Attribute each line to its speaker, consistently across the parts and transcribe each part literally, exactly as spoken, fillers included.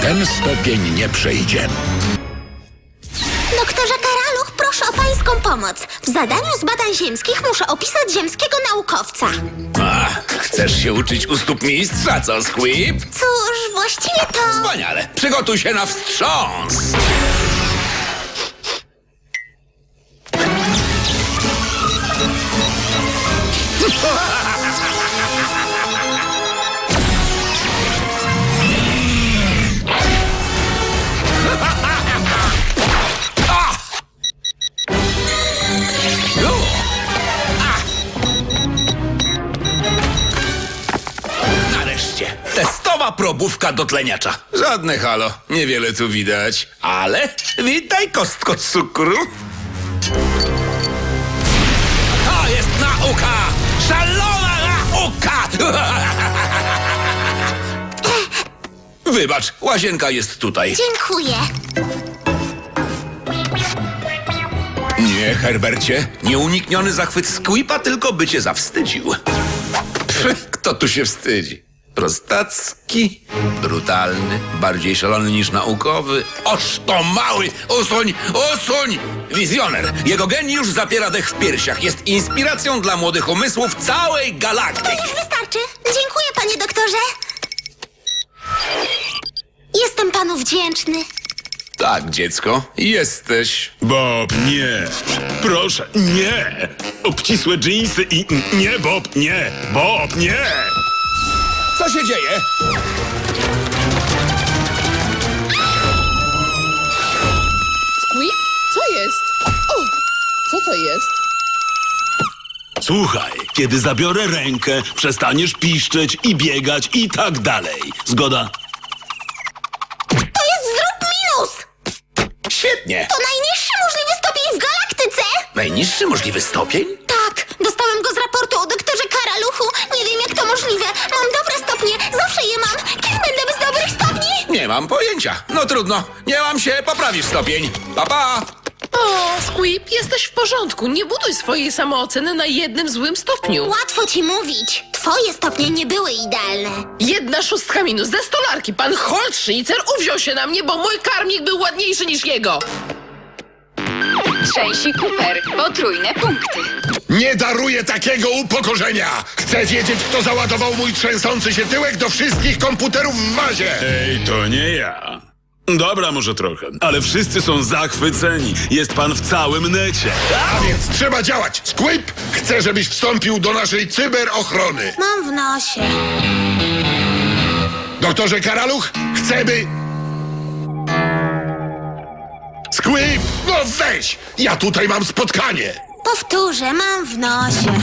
Speaker 1: ten stopień nie przejdzie.
Speaker 2: Doktorze Karaluch, proszę o pańską pomoc. W zadaniu z badań ziemskich muszę opisać ziemskiego naukowca.
Speaker 3: A, chcesz się uczyć u stóp mistrza, co, Squib?
Speaker 2: Cóż, właściwie to...
Speaker 3: Wspaniale. Przygotuj się na wstrząs. Nareszcie. Testowa probówka do tleniacza. Żadne halo. Niewiele tu widać. Ale witaj, kostko cukru. To jest nauka! Szalona nauka! Wybacz, łazienka jest tutaj.
Speaker 2: Dziękuję.
Speaker 3: Nie, Herbercie. Nieunikniony zachwyt Squiba, tylko by cię zawstydził. Pff, kto tu się wstydzi? Prostacki, brutalny, bardziej szalony niż naukowy. Oż to mały! Usuń! Usuń! Wizjoner. Jego geniusz zapiera dech w piersiach. Jest inspiracją dla młodych umysłów całej
Speaker 2: To
Speaker 3: galaktyki.
Speaker 2: już wystarczy. Dziękuję, panie doktorze. Jestem panu wdzięczny.
Speaker 3: Tak, dziecko, jesteś.
Speaker 4: Bob, nie. Proszę, nie. Obcisłe dżinsy i... Nie, Bob, nie. Bob, nie.
Speaker 3: Co się dzieje?
Speaker 5: Squib? Co jest? O, co to jest?
Speaker 4: Słuchaj, kiedy zabiorę rękę, przestaniesz piszczeć i biegać i tak dalej. Zgoda?
Speaker 2: To jest zrób minus!
Speaker 3: Świetnie.
Speaker 2: To najniższy możliwy stopień w galaktyce!
Speaker 3: Najniższy możliwy stopień?
Speaker 2: Tak, dostałem go z raportu o doktorze Karaluchu. Nie wiem, jak to możliwe. Mam dobre stopnie, zawsze je mam. Kim będę bez dobrych stopni?
Speaker 3: Nie mam pojęcia. No trudno. Nie mam się, poprawisz stopień. Pa, pa.
Speaker 5: O, Squib, jesteś w porządku. Nie buduj swojej samooceny na jednym złym stopniu.
Speaker 2: Łatwo ci mówić. Twoje stopnie nie były idealne.
Speaker 5: Jedna szóstka minus ze stolarki. Pan Holtschnitzer uwziął się na mnie, bo mój karmik był ładniejszy niż jego.
Speaker 6: Trzęsi Cooper. Potrójne punkty.
Speaker 1: Nie daruję takiego upokorzenia! Chcę wiedzieć, kto załadował mój trzęsący się tyłek do wszystkich komputerów w bazie!
Speaker 4: Ej, to nie ja. Dobra, może trochę, ale wszyscy są zachwyceni. Jest pan w całym necie.
Speaker 1: A więc trzeba działać! Squib, chcę, żebyś wstąpił do naszej cyberochrony.
Speaker 2: Mam w nosie.
Speaker 1: Doktorze Karaluch, chcę by... Squib, no weź! Ja tutaj mam spotkanie!
Speaker 2: Powtórzę, mam w nosie.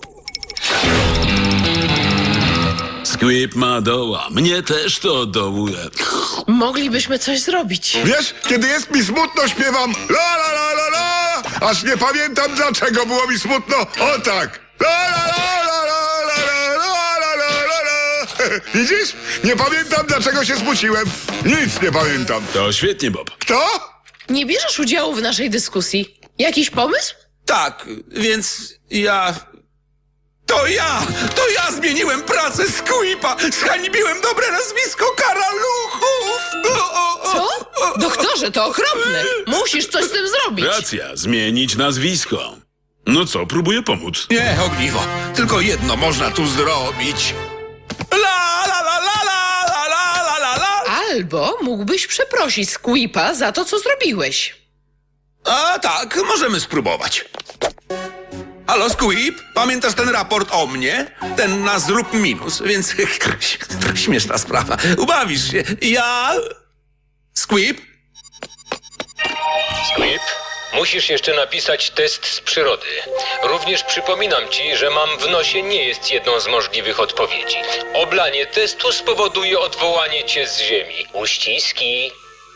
Speaker 4: Squib ma doła. Mnie też to dołuje.
Speaker 5: Moglibyśmy coś zrobić.
Speaker 1: Wiesz, kiedy jest mi smutno, śpiewam la la la la la, aż nie pamiętam, dlaczego było mi smutno. O tak! La la la la la la la la la la la. Widzisz? Nie pamiętam, dlaczego się smuciłem. Nic nie pamiętam.
Speaker 4: To świetnie, Bob.
Speaker 1: Kto?
Speaker 5: Nie bierzesz udziału w naszej dyskusji. Jakiś pomysł?
Speaker 3: Tak, więc ja... To ja! To ja zmieniłem pracę Squiba! Zhańbiłem dobre nazwisko Karaluchów! O, o, o.
Speaker 5: Co? Doktorze, to okropne. Musisz coś z tym zrobić.
Speaker 4: Racja, zmienić nazwisko. No co, próbuję pomóc.
Speaker 3: Nie, ogniwo. Tylko jedno można tu zrobić. La la la la la la la la la la.
Speaker 5: Albo mógłbyś przeprosić Squiba za to, co zrobiłeś.
Speaker 3: A tak, możemy spróbować. Halo, Squib? Pamiętasz ten raport o mnie? Ten na zrób minus, więc śmieszna sprawa. Ubawisz się. Ja... Squib?
Speaker 7: Squib, musisz jeszcze napisać test z przyrody. Również przypominam ci, że mam w nosie nie jest jedną z możliwych odpowiedzi. Oblanie testu spowoduje odwołanie cię z ziemi. Uściski.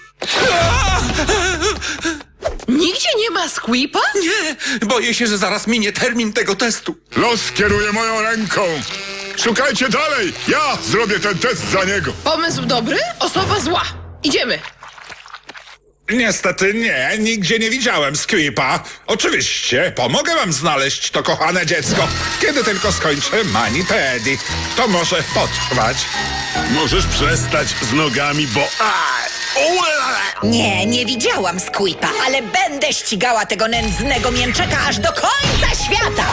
Speaker 5: Nigdzie nie ma Squiba?
Speaker 3: Nie, boję się, że zaraz minie termin tego testu.
Speaker 1: Los kieruje moją ręką. Szukajcie dalej. Ja zrobię ten test za niego.
Speaker 5: Pomysł dobry, osoba zła. Idziemy.
Speaker 8: Niestety nie, nigdzie nie widziałem Squipa. Oczywiście, pomogę wam znaleźć to kochane dziecko, kiedy tylko skończę mani-pedi. To może potrwać.
Speaker 4: Możesz przestać z nogami, bo...
Speaker 9: Nie, nie widziałam Squipa, ale będę ścigała tego nędznego mięczaka aż do końca świata!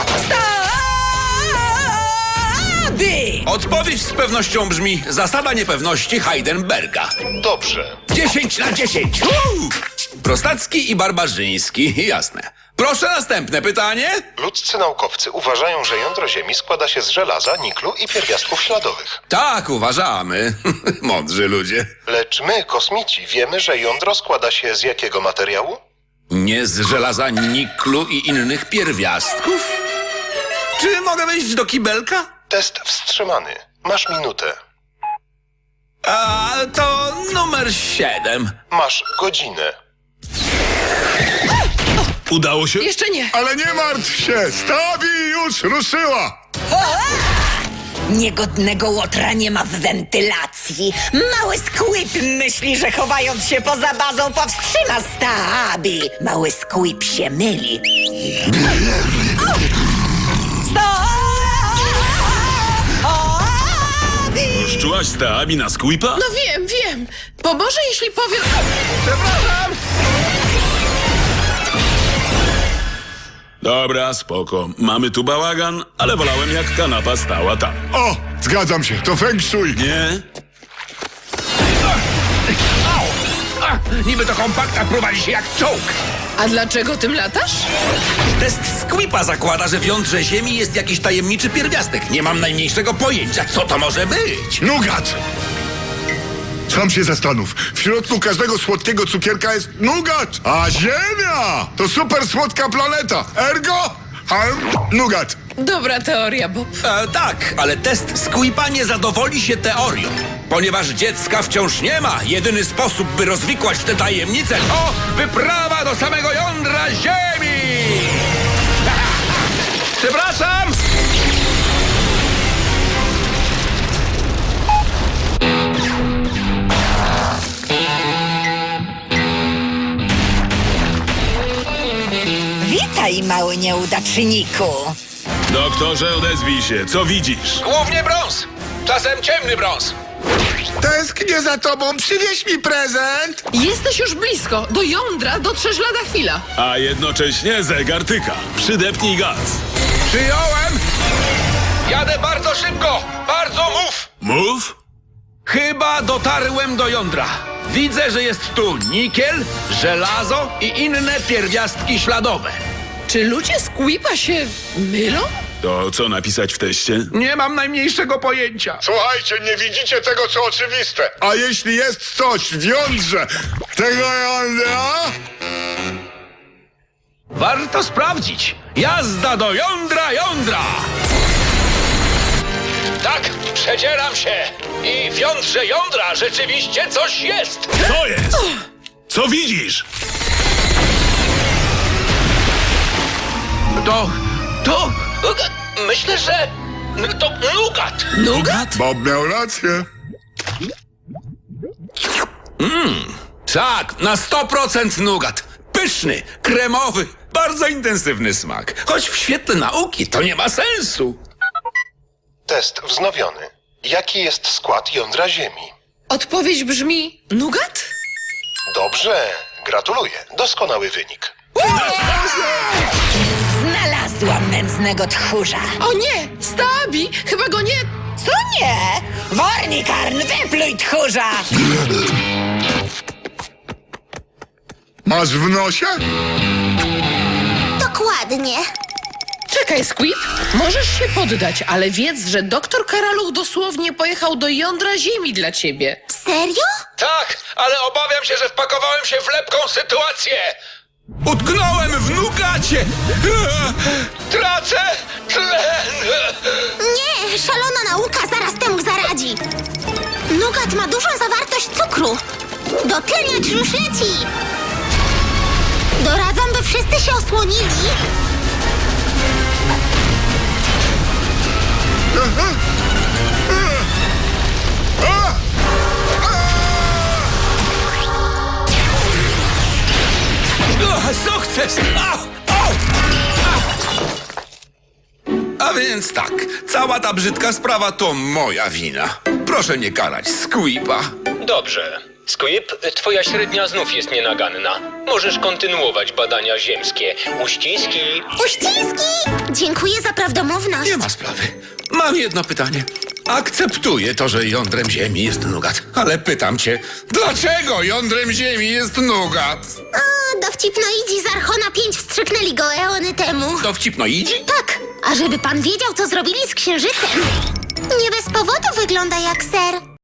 Speaker 9: Staby!
Speaker 3: Odpowiedź z pewnością brzmi zasada niepewności Heidenberga.
Speaker 10: Dobrze.
Speaker 3: dziesięć na dziesięć. Uuu! Prostacki i barbarzyński, jasne. Proszę następne pytanie.
Speaker 10: Ludzcy naukowcy uważają, że jądro Ziemi składa się z żelaza, niklu i pierwiastków śladowych.
Speaker 3: Tak, uważamy. Mądrzy ludzie.
Speaker 10: Lecz my, kosmici, wiemy, że jądro składa się z jakiego materiału?
Speaker 3: Nie z żelaza, niklu i innych pierwiastków? Czy mogę wejść do kibelka?
Speaker 10: Test wstrzymany. Masz minutę.
Speaker 3: A to numer siedem.
Speaker 10: Masz godzinę.
Speaker 4: Udało się?
Speaker 5: Jeszcze nie.
Speaker 1: Ale nie martw się, Stabi już ruszyła.
Speaker 9: Niegodnego łotra nie ma w wentylacji. Mały Squip myśli, że chowając się poza bazą powstrzyma Stabi. Mały Squip się myli. Stabi!
Speaker 4: Szczułaś Stabi na Squipa?
Speaker 5: No wiem, wiem. Pomoże, jeśli powiem...
Speaker 3: Przepraszam.
Speaker 4: Dobra, spoko. Mamy tu bałagan, ale wolałem jak kanapa stała tam.
Speaker 1: O, zgadzam się, to feng shui.
Speaker 4: Nie?
Speaker 3: A, niby to kompakt, a prowadzi się jak czołg.
Speaker 5: A dlaczego tym latasz?
Speaker 3: Test Squipa zakłada, że w jądrze Ziemi jest jakiś tajemniczy pierwiastek. Nie mam najmniejszego pojęcia, co to może być.
Speaker 1: Nugat! Sam się zastanów. W środku każdego słodkiego cukierka jest nugat, a Ziemia to super słodka planeta. Ergo, harm, nugat.
Speaker 5: Dobra teoria, Bob.
Speaker 3: E, tak, ale test Squipa nie zadowoli się teorią. Ponieważ dziecka wciąż nie ma, jedyny sposób, by rozwikłać tę tajemnicę, to wyprawa do samego jądra Ziemi! Przepraszam!
Speaker 9: Witaj, mały nieudaczniku.
Speaker 4: Doktorze, odezwij się. Co widzisz?
Speaker 3: Głównie brąz. Czasem ciemny brąz.
Speaker 1: Tęsknię za tobą, przywieź mi prezent.
Speaker 5: Jesteś już blisko. Do jądra dotrzesz lada chwila.
Speaker 4: A jednocześnie zegar tyka. Przydepnij gaz.
Speaker 3: Przyjąłem! Jadę bardzo szybko! Bardzo mów!
Speaker 4: Mów?
Speaker 3: Chyba dotarłem do jądra. Widzę, że jest tu nikiel, żelazo i inne pierwiastki śladowe.
Speaker 5: Czy ludzie Squipa się mylą?
Speaker 4: To co napisać w teście?
Speaker 3: Nie mam najmniejszego pojęcia.
Speaker 1: Słuchajcie, nie widzicie tego, co oczywiste. A jeśli jest coś w jądrze tego jądra...
Speaker 3: Warto sprawdzić. Jazda do jądra jądra! Tak, przedzieram się. I w jądrze jądra rzeczywiście coś jest.
Speaker 4: Co jest? Co widzisz?
Speaker 3: To... to... myślę, że... to nugat.
Speaker 5: Nugat?
Speaker 1: Bob miał rację.
Speaker 3: Tak, na sto procent nugat. Pyszny, kremowy, bardzo intensywny smak. Choć w świetle nauki to nie ma sensu.
Speaker 10: Test wznowiony. Jaki jest skład jądra Ziemi?
Speaker 5: Odpowiedź brzmi nugat?
Speaker 10: Dobrze, gratuluję. Doskonały wynik.
Speaker 9: Znalazłam nędznego tchórza.
Speaker 5: O nie! Stabi! Chyba go nie...
Speaker 9: Co nie? Wornikarn, wypluj tchórza!
Speaker 1: Masz w nosie?
Speaker 2: Dokładnie.
Speaker 5: Czekaj, Squip. Możesz się poddać, ale wiedz, że doktor Karaluch dosłownie pojechał do jądra Ziemi dla ciebie.
Speaker 2: Serio?
Speaker 3: Tak, ale obawiam się, że wpakowałem się w lepką sytuację. Utknąłem w nugacie. Tracę tlen.
Speaker 2: Nie, szalona nauka zaraz temu zaradzi. Nugat ma dużą zawartość cukru. Dotleniacz już leci. Doradzam, by wszyscy się osłonili.
Speaker 3: sukces! Au! Au! A więc tak, cała ta brzydka sprawa to moja wina. Proszę nie karać Squipa.
Speaker 7: Dobrze. Squib, twoja średnia znów jest nienaganna. Możesz kontynuować badania ziemskie. Uściski.
Speaker 2: Uściski! Dziękuję za prawdomówność.
Speaker 3: Nie ma sprawy. Mam jedno pytanie. Akceptuję to, że jądrem Ziemi jest Nugat. Ale pytam cię, dlaczego jądrem Ziemi jest Nugat?
Speaker 2: A, dowcipnoidzi z Archona pięć wstrzyknęli go eony temu.
Speaker 3: Dowcipnoidzi?
Speaker 2: Tak, a żeby pan wiedział, co zrobili z księżycem. Nie bez powodu wygląda jak ser.